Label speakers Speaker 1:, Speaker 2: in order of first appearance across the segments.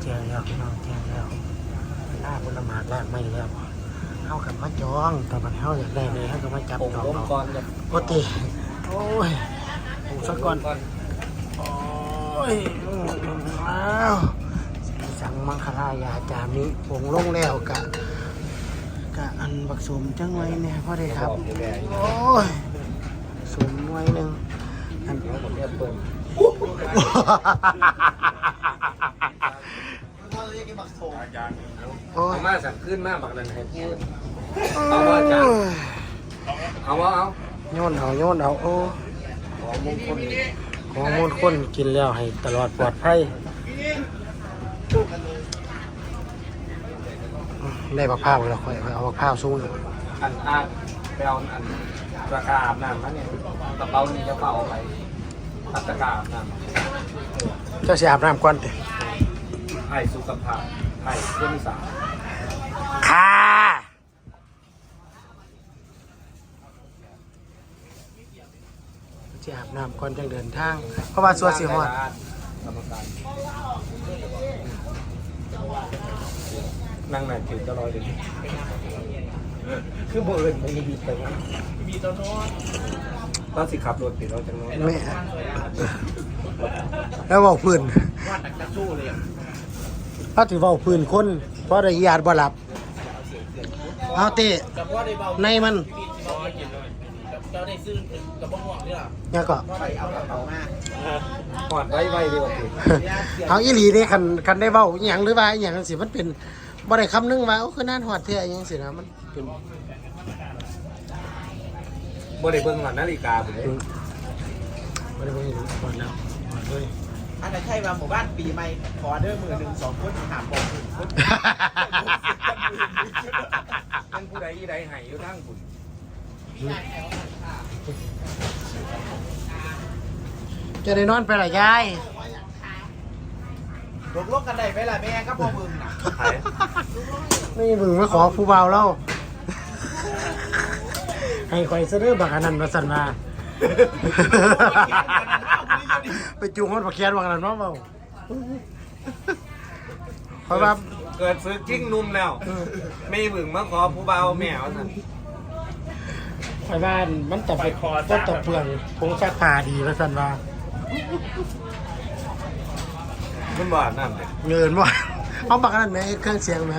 Speaker 1: จ้งแล้วพี่น้องแจ้งแล้วล่าผลไม้ลากไม่แล้วเข้ากับมาจองแต่มันเข้าอยากได้เลยเขาก็มาจับจองเราโอ้ตีโอ้ยผมสักก่อนโอ้ยอ้าวสั่งมังคลายาจามิผงลงแล้วกะอันบักสมจังไว้เนี่ยพ่อได้ครับโอ้ยสมไว้หนึ่งอัน
Speaker 2: เอามาสั่งขึ้นมาบักนันให้พูดเอาว่าจ้าเอาว่าเอา
Speaker 1: โยนเอาโอ้ของมงคลกินแล้วให้ตลอดปลอดภัยได้บักพร้าวแล้วค่อยเอาบักพร้าวสู้เลย
Speaker 2: อันไปเอาอันราคาอาบน้ำนั่นเนี่ยกระเป๋านี่จะเป่าไปอัตราอาบน้ำ
Speaker 1: เจ้าเสียอาบน้ำก่อนดิ
Speaker 2: ไผ่สุขภาพไผ่เรื่องที่สาม
Speaker 1: ค่ะจะอาบน้ำก่อนจังเดินทางเพราะว่าสัวสีหอด
Speaker 2: นั่งไหนถือจะลอยเลยคือเบิร์นไม่มีไปมีตอนนอนตอนสิขับรถติดเราจังน้อย
Speaker 1: ไม่แล้วบอกพื้น
Speaker 2: ว่าตักจะสู้เลย
Speaker 1: ถ้าถือว่าพื้นคนเพราะได้ยาดบ่หลับเอาเตะในมัน
Speaker 2: เราได้ซื้อกับบ้องหวงนี่หรอ
Speaker 1: เนี่ยก็
Speaker 2: หอดไว้ดีกว่า
Speaker 1: เอาอีหลีนี่คันได้เว้าอหย่างหรือว่าอหย่างสิมันเป็นบ่ได้คำนึงว่าโอ้คือน่านหอดเท่อหยังสินะมันเป็น
Speaker 2: บ่ได้เบิ่งหอดนาฬิกาผมเลย
Speaker 1: บ่ได้เบิ่งหอดแล้วหอดเลย
Speaker 3: อันนั้นใช่ว่าหมู่บ้านปีใหม่ขอเด้อมือ1 2คนถามบอกคุณ
Speaker 2: นั่นผู้ใดอีใดให้อยู่ทั้งคุณ
Speaker 1: จะได้นอนไปหรอยาย
Speaker 3: ลกกันได้ไปล่ะแม่ก็พอบึงน่ะ
Speaker 1: นี่มึงมาขอผู้เบาแล้วให้คอยเสนอบักอันนั้นมาสั่นมาไปจูงคนบักเคียนบักอันนั้นมาเบาเพราะว่า
Speaker 2: เกิดซื้อกิ้งนุ่มแล้วไม่บึงมาขอผู้เบาแมวสั่น
Speaker 1: ไปบ้านมันตบไปก็ตบเปลืองผงซักผ้าดีมาสั่นมา
Speaker 2: มันบาดน้ำเลย
Speaker 1: เงินว่าเอาบักอันนั้นไหมเครื่องเสียงไหม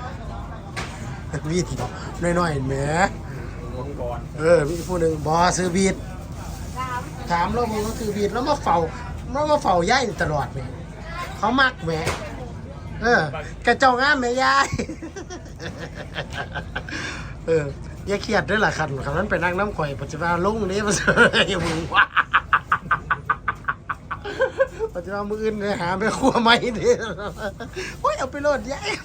Speaker 1: วีดน้อยๆไหมมีผู้หนึ่งบอซื้อบีดถามแล้วมึงก็ซื้อบีดแล้วมาเฝ้าย่ายตลอดเลยเขามักแหมกระเจ้างามแม่ย่ายอย่าเครียดด้วยล่ะคันคำนั้นไปนั่งน้ำข่อยปัจจุบันลุงนี้มาเสยมึงว่าปัจจุบันมืออื่นเลยหาไปครัวไม่ดิโอ้ยเอาไปโลดย่าย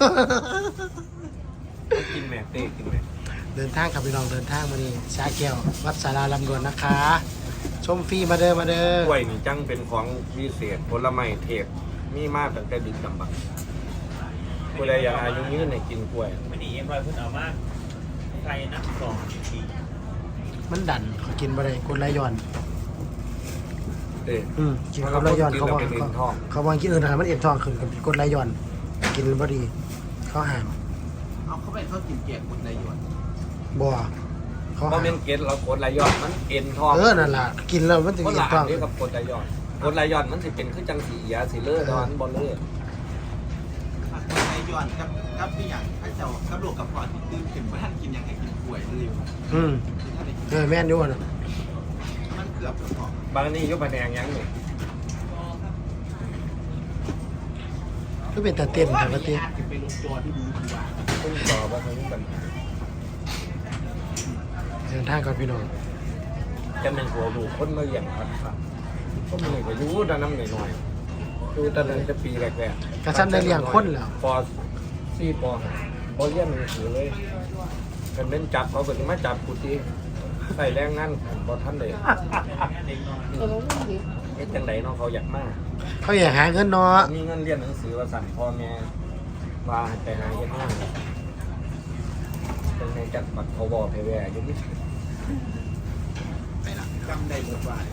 Speaker 2: กินแม่เต้กินแม่
Speaker 1: เดินทางกับพี่น้องเดินทางมานี่ชาแก้ววัดสาราลำดวนนะคะชมฟรีมาเด้อก
Speaker 2: ล้วยนี่จังเป็นของวิเศษผลไม้เทพมีมากตั้งแต่ดึกดำบรรพ์ผู้ใดอยากอายุยืนในกินกล้วย
Speaker 3: ไม่ดียังไงเพิ่งเอามาใครนัก2 ปี
Speaker 1: มันดันเขากินบ่ได้กดไหลย้อนกินกับไหลย้อนเขาบอกกินอื่นนะมันเอ็นทองขึ้นกับกดไหลย้อนกินบ่ดีเขาห้าม
Speaker 3: เอาเข้าไปเขากินเกี๊ยวกดไหลย้อน
Speaker 1: บ่
Speaker 2: เขาเป็นเกล็ดเรากดไหลย้อนมันเอ็นทอง
Speaker 1: นั่นแหละกินแล้วมันจะเอ็นทอง
Speaker 2: เดียวกับกดไหลย้อนกดไหลย้อนมันสิเป็นขึ้นจังสียาสีเลือดอนบอลเลือด
Speaker 3: กดไหลย้อนกับพี่อย่างถ้าเจ้ากับลูกกับพ่อที่ตื่นขึ้นมาท่านกินยังไงกินกล้วยเลย
Speaker 1: แม่นด้วยนะ
Speaker 3: มันเกือบจะพ
Speaker 2: อบางนี่ยกมาแดงยังเลย
Speaker 1: ก็เป็นแต่เต้นแต่ก็เต้น
Speaker 3: เป็นลูกตัวที่ดีกว่า
Speaker 2: ต้นต่อว่าเขาเป็น
Speaker 1: เดินทางกับพี่น้อง
Speaker 2: จะเป็นหัวดูคนมาอย่างพัดครับก็มีก็ยูด้านน้ำหน่อยดูตอนนั้นจะปีแรก
Speaker 1: ๆกระชั้นได้เลี้ยงคนแล้ว
Speaker 2: ป.4 ป.5เรียนหนังสือเลยกันเป็นจับเขาก็จะมาจับกูทีใส่แรงงานบอท่านเลยจังไหนน้องเขาอยากมาก
Speaker 1: เขาอยากหาเงินเนาะ
Speaker 2: มีเงินเรียนหนังสือว่าสั่งพ่อแม่ว่าไปหาเงินห้างเป็นในจัดบัตรพบเพแวร์ยุ่ง
Speaker 3: ไปละจำได้หมดว่า